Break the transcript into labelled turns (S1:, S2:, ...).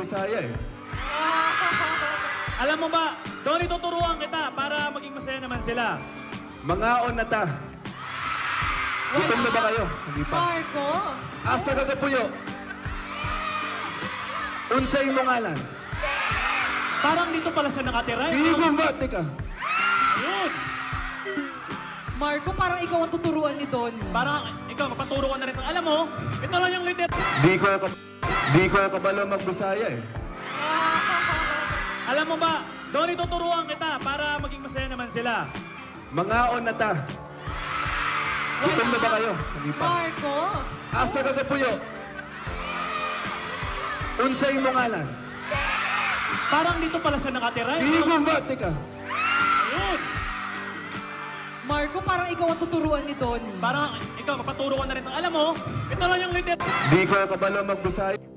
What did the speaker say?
S1: magbisaya eh.
S2: Alam mo ba, Donnie, tuturuan kita para maging masaya naman sila.
S1: Mangaon na ta. Gutom na ba kayo? Hindi pa.
S3: Marco?
S1: Asa kagapuyo. Unsay mo ngalan?
S2: Parang dito pala siya nakatira.
S1: Di gumbate ka.
S2: Ayun.
S3: Marco, parang ikaw ang tuturuan ni Donnie.
S2: Parang ikaw, magpaturo ka na rin sa... Alam mo, ito lang yung leader.
S1: Di ko kabalo magbisaya eh.
S2: Alam mo ba, Donnie, tuturuan kita para maging masaya naman sila.
S1: Mangaon na ta. Gutom na ba kayo? Hindi pa.
S3: Marco?
S1: Asa kagapuyo. Unsay mo ngalan?
S2: Parang dito pala siya nakatira.
S1: Di gumbate ka.
S2: Ayun.
S3: Marco, parang ikaw ang tuturuan ni Donnie.
S2: Parang ikaw, magpaturo ka na rin sa... Alam mo, ito lang yung leader.
S1: Di ko kabalo magbisaya.